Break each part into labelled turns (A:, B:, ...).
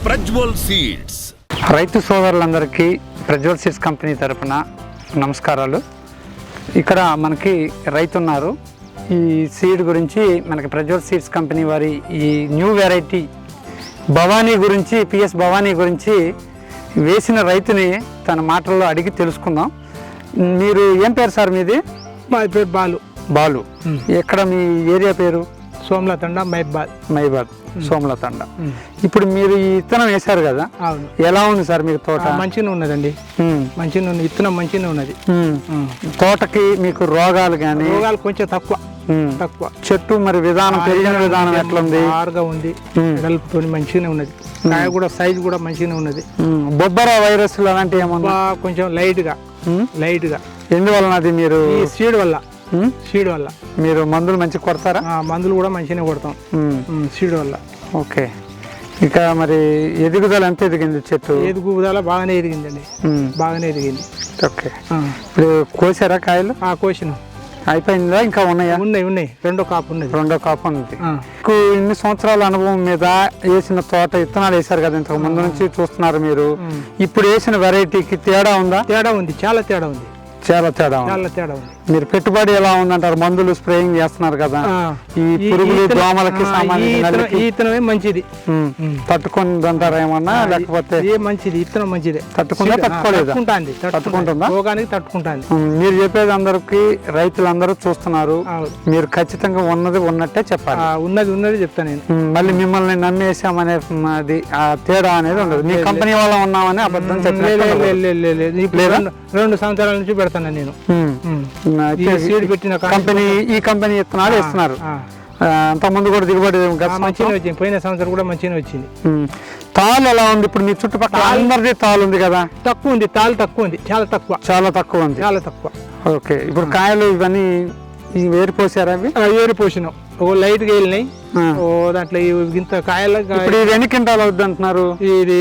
A: Prajwal seeds.
B: రైతు సోదరులందరికీ Prajwal seeds company తరపున నమస్కారాలు. ఇక్కడ మనకి రైతు ఉన్నారు. ఈ సీడ్ గురించి మనకి ప్రజ్వల్ సీడ్స్ కంపెనీ వారి ఈ న్యూ వెరైటీ భవానీ గురించి, పిఎస్ భవానీ గురించి వేసిన రైతుని తన మాటల్లో అడిగి తెలుసుకుందాం. మీరు ఏం పేరు సార్ మీది?
C: మా పేరు బాలు.
B: బాలు. ఎక్కడ మీ ఏరియా పేరు?
C: సోమలతండ,
B: మైబాద్ సోమలతండ. ఇప్పుడు మీరు ఈ విత్తనం వేశారు కదా,
C: అవును.
B: ఎలా ఉంది సార్ మీకు తోట?
C: మంచిగా ఉన్నదండి, మంచిగా ఉంది. విత్తనం మంచిగా ఉన్నది.
B: తోటకి మీకు రోగాలు కానీ?
C: రోగాలు కొంచెం తక్కువ.
B: చెట్టు మరి విధానం, పెరిగిన విధానం ఎట్లుంది?
C: ఆరుగా ఉంది, వెడల్పుతో మంచిగానే ఉన్నది. కాయ కూడా సైజు కూడా మంచిగానే ఉన్నది.
B: బొబ్బర వైరస్ అలాంటివి ఏమన్నా?
C: కొంచెం లైట్ గా.
B: ఎందువలన అది? మీరు
C: సీడ్ వల్ల
B: మీరు మందులు మంచిగా కొడతారా?
C: మందులు కూడా మంచిగానే కొడతాం సీడ్ వల్ల.
B: ఓకే. ఇక మరి ఎదుగుదల ఎంత ఎదిగింది చెట్టు?
C: ఎదుగుదల బాగానే ఎదిగిందండి, బాగానే ఎదిగింది.
B: ఓకే. ఇప్పుడు కోసారా కాయలు?
C: కోసినాం.
B: అయిపోయిందా? ఇంకా ఉన్నాయా?
C: ఉన్నాయి. రెండో కాపు ఉంది.
B: ఇన్ని సంవత్సరాల అనుభవం మీద వేసిన తోట విత్తనాలు వేశారు కదా, ఇంతకు ముందు నుంచి చూస్తున్నారు మీరు. ఇప్పుడు వేసిన వెరైటీకి తేడా ఉందా?
C: తేడా ఉంది, చాలా తేడా ఉంది. మీరు
B: పెట్టుబడి ఎలా ఉందంటారు? మందులు స్ప్రేయింగ్ చేస్తున్నారు కదా, ఈ పురుగులు దోమలకి
C: సంబంధించి మంచిది
B: తట్టుకుంది అంటారా ఏమన్నా? లేకపోతే
C: మంచిది విత్తనం మంచిదే.
B: తట్టుకుందా? తట్టుకుంటుందా?
C: తట్టుకుంటుంది.
B: మీరు చెప్పేది అందరికి రైతులందరూ చూస్తున్నారు. మీరు ఖచ్చితంగా ఉన్నది ఉన్నట్టే చెప్పాలి.
C: ఉన్నది చెప్తాను నేను.
B: మళ్ళీ మిమ్మల్ని నమ్మేసామనే అది ఆ తేడా అనేది ఉండదు. మీ కంపెనీ వాళ్ళ ఉన్నామని అబద్ధం చెప్పలేదు.
C: 2 సంవత్సరాల నుంచి పెడతాను నేను.
B: ఈ కంపెనీ విత్తనాలు ఇస్తున్నారు. అంత ముందు కూడా దిగుబడి
C: మంచిగా వచ్చింది. పోయిన సంవత్సరం కూడా మంచిగా వచ్చింది.
B: తాలు ఎలా ఉంది ఇప్పుడు? మీ చుట్టుపక్కల అందరిది తాలు ఉంది కదా?
C: తక్కువ ఉంది, తాలు తక్కువ ఉంది, చాలా తక్కువ ఉంది.
B: ఓకే. ఇప్పుడు కాయలు ఇవన్నీ వేరిపోసారా? అవి
C: వేరిపోసినాం. లైట్ గా వెళ్ళినాయి. దాంట్లో ఇంత కాయలు.
B: ఇప్పుడు ఇది ఎన్ని క్వింటాలు అవుద్ది అంటున్నారు?
C: ఇది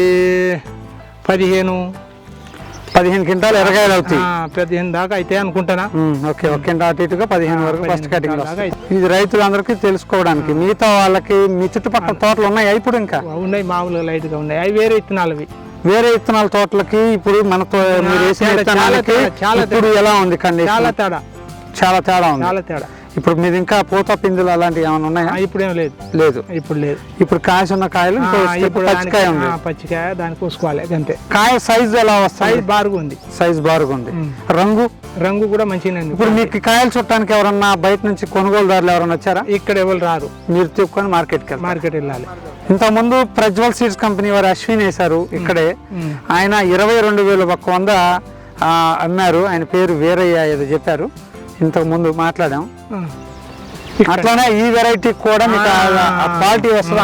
C: 15
B: క్వింటాలు ఎరగాయలు అవుతాయి.
C: 15 దాకా అయితే అనుకుంటానా.
B: ఓకే. ఒక క్వింటా అటు ఇటుగా 15 వరకు ఫస్ట్ కటింగ్. ఇది రైతులందరికీ తెలుసుకోవడానికి. మిగతా వాళ్ళకి మీ చుట్టుపక్కల తోటలు ఉన్నాయి ఇప్పుడు? ఇంకా
C: ఉన్నాయి, మామూలుగా లైట్ గా ఉన్నాయి. అవి వేరే విత్తనాలు.
B: వేరే విత్తనాల తోటలకి ఇప్పుడు మనతో మీరు వేసిన విత్తనాలకి ఇప్పుడు ఎలా ఉంది కండిషన్? చాలా తేడా ఉంది. ఇప్పుడు మీది ఇంకా పూత పిందులు అలాంటివి ఏమైనా ఉన్నాయా?
C: ఇప్పుడు ఏం లేదు. ఇప్పుడు
B: కాయ ఉన్న కాయలు, పచ్చికాయ ఉంది.
C: పచ్చికాయ దాన్ని కోసుకోవాలి అంతే.
B: కాయ సైజు ఎలా వస్తుంది? సైజ్ బారుగా ఉంది.
C: రంగు కూడా మంచిగా.
B: ఇప్పుడు మీకు కాయలు చుట్టానికి ఎవరన్నా బయట నుంచి కొనుగోలుదారులు ఎవరన్నా వచ్చారా?
C: ఇక్కడ ఎవరు రారు.
B: మీరు తిప్పుకొని మార్కెట్ వెళ్ళాలి. ఇంతకుముందు ప్రజ్వల్ సీడ్స్ కంపెనీ వారు అశ్విన్ వేశారు ఇక్కడే. ఆయన 22,100 అమ్మారు. ఆయన పేరు వీరయ్య ఏదో చెప్పారు, ఇంతకు ముందు మాట్లాడాం. అట్లానే ఈ వెరైటీ కూడా మీకు క్వాలిటీ వస్తుంది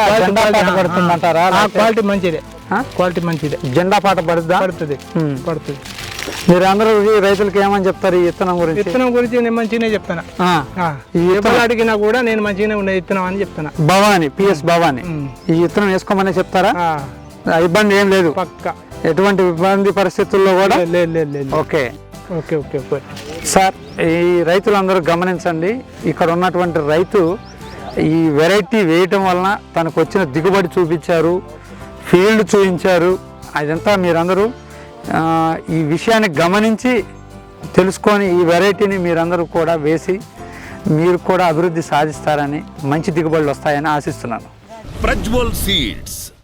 B: అంటారా?
C: క్వాలిటీ మంచిదే.
B: జెండా పాట పడుతుంది. మీరు అందరూ రైతులకి ఏమని చెప్తారు ఈ విత్తనం గురించి?
C: నేను మంచిగానే చెప్తాను. అడిగినా కూడా నేను మంచిగానే ఉండే విత్తనం అని చెప్తాను.
B: భవానీ, పిఎస్ భవానీ ఈ విత్తనం వేసుకోమని చెప్తారా? ఇబ్బంది ఏం లేదు,
C: పక్క
B: ఎటువంటి ఇబ్బంది పరిస్థితుల్లో కూడా? ఓకే సార్, ఈ రైతులందరూ గమనించండి. ఇక్కడ ఉన్నటువంటి రైతు ఈ వెరైటీ వేయటం వలన తనకు వచ్చిన దిగుబడి చూపించారు, ఫీల్డ్ చూపించారు. అదంతా మీరందరూ ఈ విషయాన్ని గమనించి తెలుసుకొని ఈ వెరైటీని మీరందరూ కూడా వేసి మీరు కూడా అభివృద్ధి సాధిస్తారని, మంచి దిగుబడులు వస్తాయని ఆశిస్తున్నాను.
A: ప్రజ్వల్ సీడ్స్.